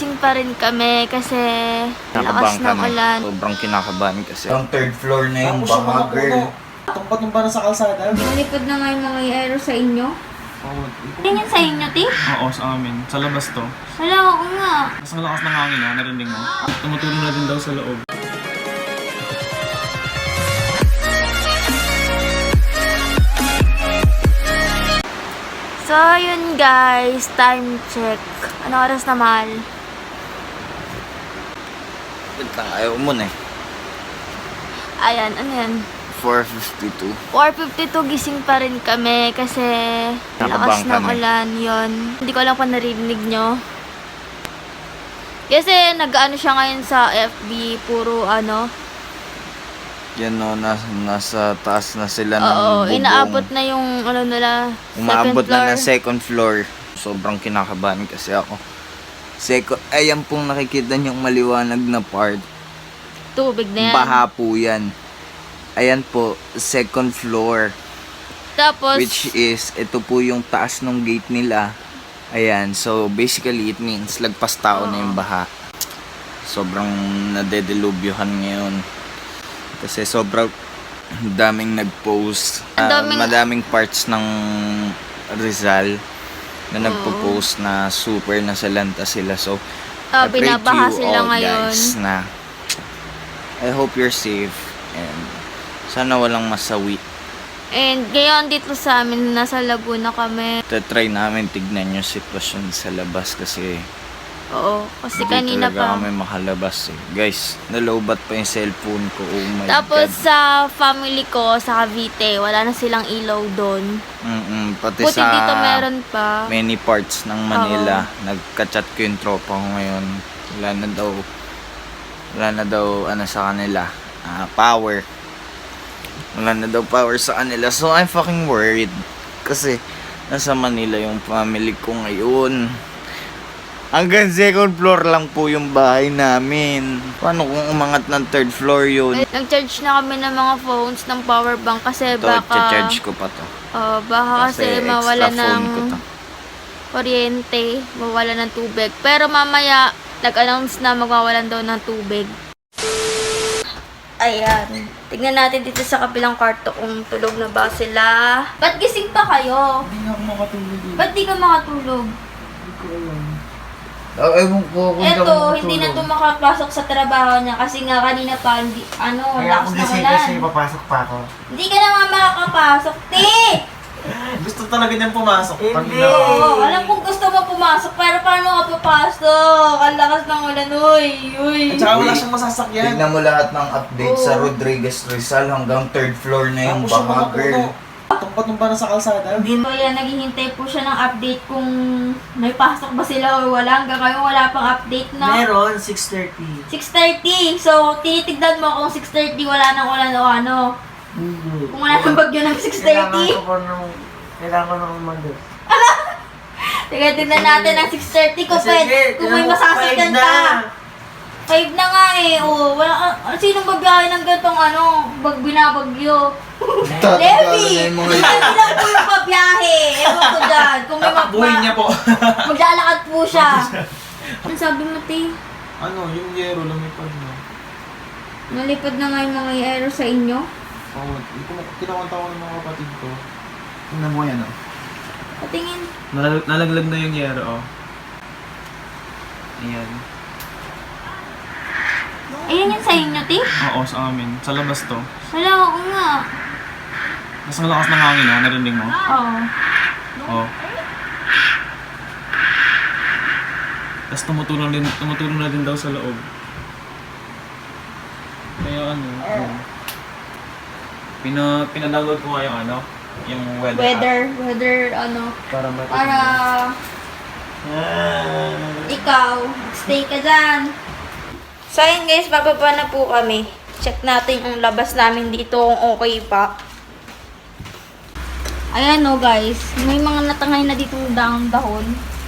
gising pa rin kami kasi lakas ng ulan. Sobrang kinakabahan kasi. Ang third floor na yung Tapos yung baka, mga girl. puno. Tumpa-tumpa na sa kalsada. Nalipad na nga yung mga aero sa inyo. Oo. Tingin sa inyo, Ti? Oo, sa amin. Sa labas to. Wala, oo nga. Mas ang lakas ng hangin, ha? Narinig mo. Tumutulong na din daw sa loob. So, yun guys. Time check. Ano oras na, mahal? Wait lang, ayaw mo na eh. Ayan, ano yan? 4:52. 4:52 gising pa rin kami kasi lakas Nakabang ng kami. ulan yon. Hindi ko alam kung narinig nyo. Kasi nag-ano siya ngayon sa FB, puro ano. Yan o, nasa taas na sila ng Oo, bubong. inaabot na yung ano nila, Umaabot second floor. na ng second floor. Sobrang kinakabahan kasi ako. Ayan pong nakikita niyong maliwanag na part. Tubig na yan. Baha po yan. Ayan po, second floor. Tapos, Which is, ito po yung taas ng gate nila. Ayan, so basically it means lagpas tao na yung baha. Sobrang nadedelubyohan ngayon. Kasi sobrang daming nag-post. Madaming parts ng Rizal na nagpo-post na super nasalanta sila. So, I pray to binabaha you sila all ngayon. guys na I hope you're safe and sana walang masawi. And ngayon dito sa amin, nasa Laguna kami. Try namin tignan yung sitwasyon sa labas kasi Oo, kasi hindi kanina pa. talaga kami makalabas eh. Guys, nalobat pa yung cellphone ko. Oh my Tapos God. sa family ko, sa Cavite, wala na silang ilaw doon. Pati Buti sa dito meron pa. many parts ng Manila, nagka-chat ko yung tropa ko ngayon. Wala na daw ano sa kanila, power. Wala na daw power sa kanila. So I'm fucking worried. Kasi nasa Manila yung family ko ngayon. Hanggang second floor lang po yung bahay namin. Paano kung umangat ng third floor yun? Nag-charge na kami ng mga phones ng power bank kasi Ito, baka charge ko pa to. baka kasi mawala extra phone ng ko to. kuryente, mawala ng tubig. Pero mamaya, nag-announce na magwawalan daw ng tubig. Ayan. Tignan natin dito sa kabilang kwarto kung tulog na ba sila. Ba't gising pa kayo? Hindi na ako makatulog eh. Ba't di ka makatulog? Hindi ko alam. Ewan ko kung Eto, hindi na ito makapasok sa trabaho niya kasi nga kanina pa, hindi, Kaya lakas ako ng gising ulan. kasi papasok pa ako. Hindi ka naman makakapasok, te! Gusto talaga niyang pumasok. Hindi. Oo, alam kong gusto mo pumasok, pero paano ka papasok? Ang lakas ng ulan, uy, uy. At saka wala siyang masasakyan. Tignan mo lahat ng update sa Oo. Rodriguez Rizal hanggang third floor na yung Tapos yung mga baka, girl. puno. Tumpa-tumpa na sa kalsada. So yan, naghihintay po siya ng update kung may pasok ba sila o wala. Hanggang ngayon wala pang update na. Meron, 6:30. 6:30. So, tinitignan mo kung 6:30 wala nang ulan o ano. Hindi. Kung wala nang bagyo ng 6:30. Kailangan ko nang umalis. Sige, tignan natin ang 6:30 kung, kung may masasakyan na. ka. 5 na nga eh. O, wala, sinong babiyahe ng gantong binabagyo? Levi! na yung mga Hindi lang po yung babiyahe. Ewan ko dyan. Kung may Tatakbuhin niya po. maglalakad po siya. Ano sabi mo, Ti? Ano, yung yero lumipad na. Nalipad na nga yung mga aero sa inyo? Oo, kinakanta ko ng mga kapatid ko. Tingnan mo yan, oh. Patingin. Nalaglag na yung yero, oh. Ayan. Ayan yan sa inyo, Ti? Oo, sa amin. Sa labas to. Wala, oo nga. Mas ang lakas ng hangin, ha? Narinig mo? Oo. Oo. Tapos tumutulong na din daw sa loob. Kaya ano, pina-download ko nga yung ano, yung weather app. Weather, Para matulog. para ikaw, stay ka dyan. So ayun guys, bababa na po kami. Check natin yung labas namin dito kung okay pa. Ayan o guys, may mga natangay na dito dahon.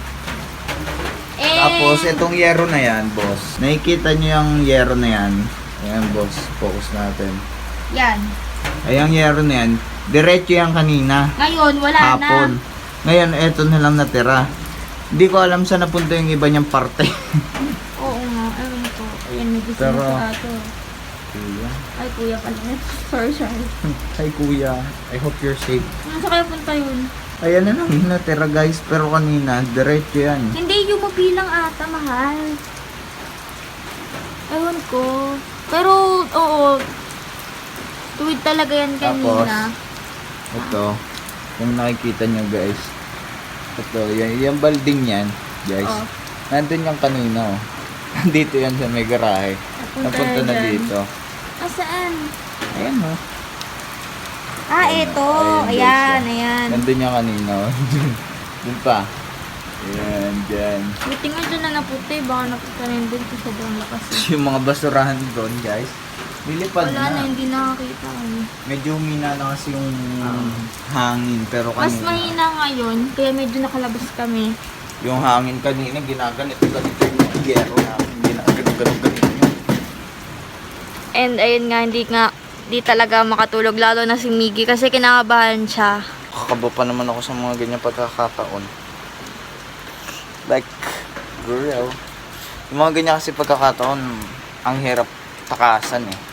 Tapos, itong yero na yan, boss. Nakikita niyo yung yero na yan. Ayan, boss. Focus natin. Yan. Ayan, yero na yan. Diretso yan kanina. Ngayon, wala Hapon. na. Ngayon, eto na lang natira. Hindi ko alam saan napunta yung iba niyang parte. Oo nga, ayun ko. Ayan, may gusto Pero- na sa ato. Kuya. Ay, kuya pala. Sorry. Hi kuya. I hope you're safe. Nasa kaya punta yun? Ayan na lang natira guys. Pero kanina, diretso yan. Hindi, yung mabilang ata, mahal. Ewan ko. Pero, oo. Tuwid talaga yan kanina. Ito. Kung nakikita nyo guys. Ito, yung balding yan. Guys. Oh. Nandun yung kanina. Oh. Nandito yan sa may garahe. Napunta na dyan. dito. Saan? Ayan o. Ah, ito. Ayan, Ayan, guys, ayan. Nandun yung kanina. Oh. Dun pa. Ayan, dyan. Buti nga dyan na naputi. Baka naputi rin din sa sobrang lakas. Yung mga basurahan doon guys. Nilipad Wala na, na. hindi nakakita kami. Medyo humina na kasi yung hangin. Pero Mas kanina. mahina ngayon, kaya medyo nakalabas kami. Yung hangin kanina, ginaganito yung yero namin. Ginaganito. And ayun nga, hindi talaga makatulog. Lalo na si Miggy kasi kinakabahan siya. Kakaba pa naman ako sa mga ganyan pagkakataon. Like, girl. Yung mga ganyan kasi pagkakataon, ang hirap takasan eh.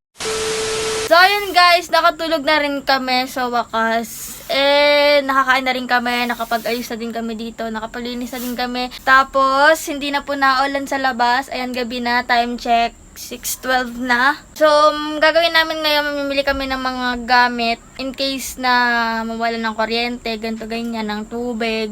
So ayun guys, nakatulog na rin kami sa wakas. Nakakain na rin kami, nakapag-ayos na din kami dito, nakapaglinis na din kami. Tapos, hindi na po naulan sa labas. Ayan, gabi na, time check. 6:12 na. So, gagawin namin ngayon, mamimili kami ng mga gamit in case na mawala ng kuryente, ganito ganyan, ng tubig.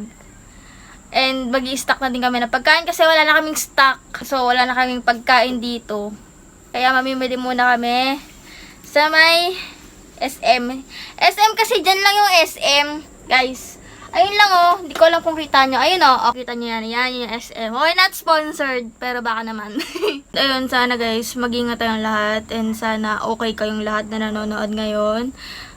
And mag-i-stock na din kami ng pagkain kasi wala na kaming stock. So, wala na kaming pagkain dito. Kaya mamimili muna kami sa may SM. SM kasi dyan lang yung SM, guys. Ayun lang oh, hindi ko alam kung kita nyo. Ayun oh, kita nyo yan. Yan yung SM. Okay, not sponsored, pero baka naman. Ayun, sana guys, mag-ingat tayong lahat. And sana okay kayong lahat na nanonood ngayon.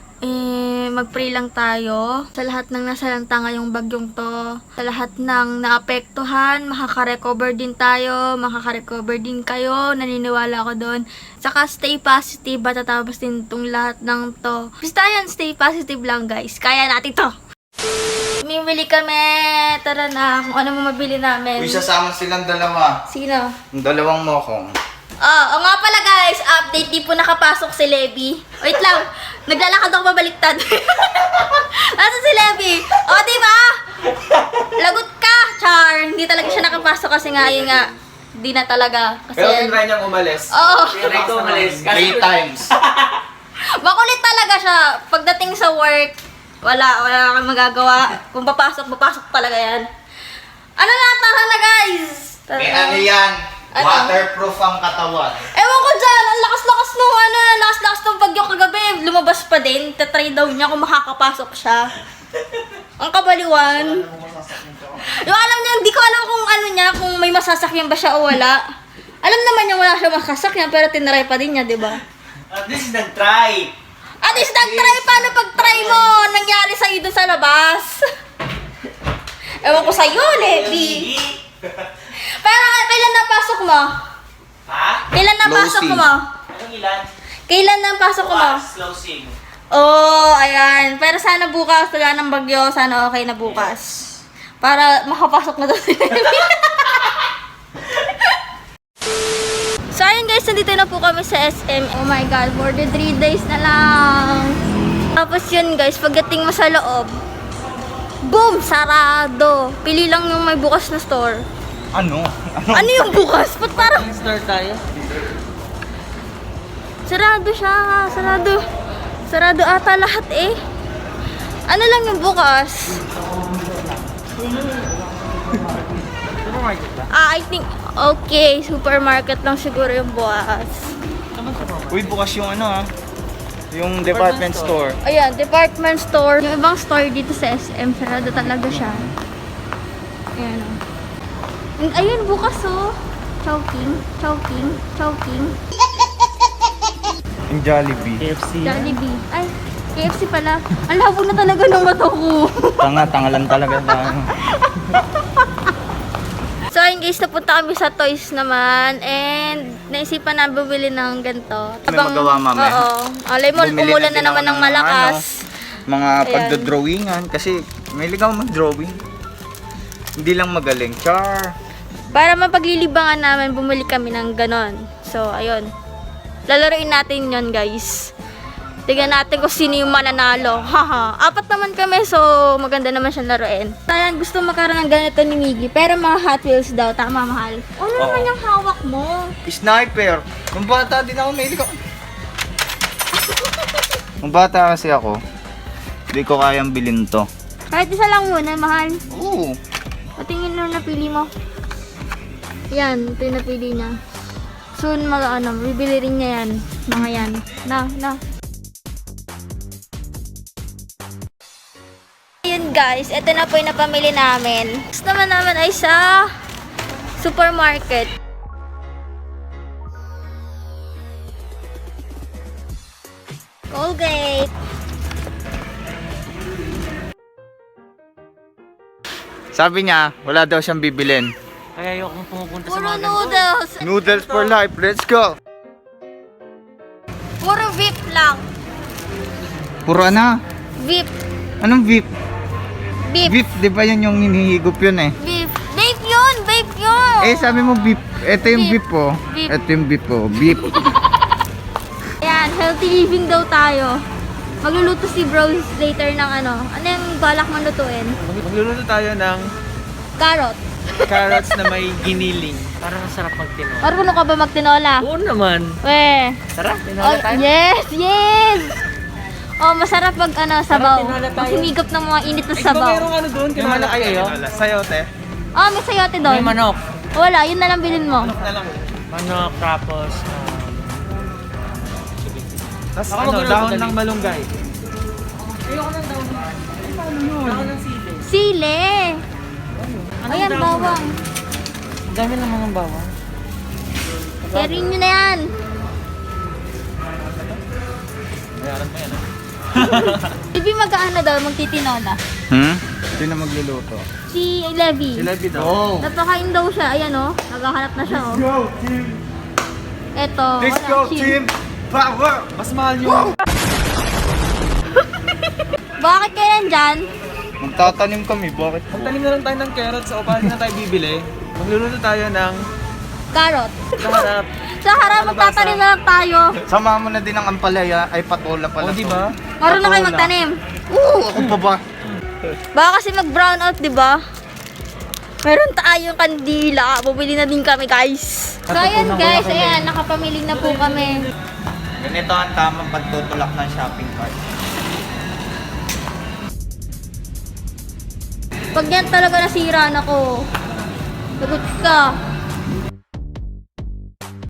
Mag-pray lang tayo sa lahat ng nasalanta ngayong bagyong to. Sa lahat ng naapektuhan, makaka-recover din tayo, makaka-recover din kayo, naniniwala ako doon. Saka stay positive, matatapos din itong lahat ng to. Basta yan, stay positive lang guys, kaya natin to. Mimili kami, tara na, kung ano mo mabili namin. Uy, sasama silang dalawa. Sino? Yung dalawang mokong. Oo nga pala guys, update, di po nakapasok si Levi. Wait lang, naglalakad ako pabaliktad. Nasa si Levi? O, di ba? Lagot ka, Char. Hindi talaga siya nakapasok kasi nga, yun nga, di na talaga. Kasi, Pero tinry niyang umalis. oo, Tinry ko umalis. 3 times. makulit talaga siya. Pagdating sa work, wala kang magagawa. Kung papasok talaga yan. Ano na, tara na guys. Tara May na. ano yan? Ano? Waterproof ang katawan. Ewan ko dyan, ang lakas-lakas nung lakas-lakas nung bagyo kagabi. Lumabas pa din, tatry daw niya kung makakapasok siya. Ang kabaliwan. Yung alam niya, hindi ko alam kung ano niya, kung may masasakyan ba siya o wala. Alam naman niya wala siya masasakyan, pero tinry pa din niya, di ba? At least nag-try. At least nag-try, paano pag-try mo? Nangyari sa'yo dun sa labas. Ewan ko sa'yo, Levi. Pero kailan napasok mo? Ha? Kailan napasok Closing. mo? Anong ilan? Kailan napasok mo? Closing. Oh, ayan. Pero sana bukas, wala ng bagyo, sana okay na bukas. Para makapasok na doon si Levi. So, ayun guys, nandito na po kami sa SM. Oh my God, for the 3 days na lang. Tapos yun guys, pagdating mo sa loob, boom! Sarado! Pili lang yung may bukas na store. Ano? Ano yung bukas? Ba't parang... Start tayo. Sarado siya. Sarado ata lahat eh. Ano lang yung bukas? I think... Okay, supermarket lang siguro yung bukas. Uy, bukas yung ano yung department store. Ayan, department store. Yung ibang store dito sa SM, sarado talaga siya. Ayan o. Ayun, bukas oh. Chowking. Yung Jollibee. KFC. Jollibee. Ay, KFC pala. Ang labo na talaga ng mata ko. Tanga lang talaga tayo. So, ayun guys, napunta kami sa toys naman. And, naisipan na bumili ng ganito. May magawa, mami. Oo. Alay mo, Bumili umulan din na naman ako ng malakas. mga Ayan. pagdodrawingan kasi may ligaw mag-drawing. Hindi lang magaling. Char! Para mapaglilibangan namin, bumili kami ng ganon. So, ayun. Lalaroin natin yon guys. Tignan natin kung sino yung mananalo. Haha. 4 naman kami, so maganda naman siyang laruin. Ayan, gusto magkaroon ng ganito ni Miggy. Pero mga Hot Wheels daw. Tama, mahal. Ano naman yung hawak mo? Sniper! Nung bata din ako, mahilig ako. Nung bata kasi ako, hindi ko kayang bilhin to. Kahit isa lang muna, mahal. Oo. Patingin na napili mo. Yan, ito yung napili niya. Soon, bibili rin niya yan. Mga yan. Na. Ayun guys, ito na po yung napamili namin. Gusto naman ay sa supermarket. Colgate. Sabi niya, wala daw siyang bibilin. Kaya ayokong pumupunta sa Puro mga ganito. noodles. Noodles for life, let's go! Puro VIP lang. Puro ano? VIP. Anong VIP? VIP. VIP, di ba yun yung hinihigop yun eh? VIP. Vape yun! Vape yun! Eh, sabi mo VIP. Ito yung Beef. VIP po. Beef. Ito yung VIP po. Beef. Ayan, healthy living daw tayo. Magluluto si Bros later ng ano. Ano yung balak mong lutuin? Magluluto tayo ng Carrot. carrots na may giniling. Parang masarap magtinola. Marunong ka ba magtinola? Oo naman. Weh. Tara, Oh, tinola tayo. yes! Oh, masarap pag sabaw. tinola tayo. Pag humigop ng mga init na Ay, sabaw. merong ano doon, tinola kayo. Sayote. Oh, may sayote doon. May manok. Wala, yun na lang bilhin mo. Manok, tapos... Tapos Ako ano, magulong dahon madali. ng malunggay. Ayoko ng daon. Ay, paano yun? Daon ng sili. Sile. Ayan, daon? bawang. Ang dami naman ng bawang. Sharing nyo na yan. Bayaran mo yan ah. Ibi mag-ano daw, magtitinola. Sino magluluto? Si Levi. Levi daw. Napakain daw siya. Ayan oh. Naghahanap na siya oh. Go, team! Eto. Let's wala, go, chill. team! Power! Mas mahal yung... Bakit kayo nandyan? Magtatanim kami, bakit po? Magtanim na lang tayo ng carrots o paano na tayo bibili? Magluluto tayo ng... Carrot. Kaharap. Sa harap, magtatanim na lang tayo. Sama mo na din ang ampalaya, ay patola pala O, di ba? Marunong kayo Patola. magtanim. Oo, ako pa ba? Baka kasi mag-brown out, di ba? Meron tayong kandila. Bumili na din kami, guys. So, ayan, guys. Ayan, nakapamili na po kami. Ganito ang tamang pagtutulak ng shopping cart. Pag yan talaga nasira na ko, lagot ka.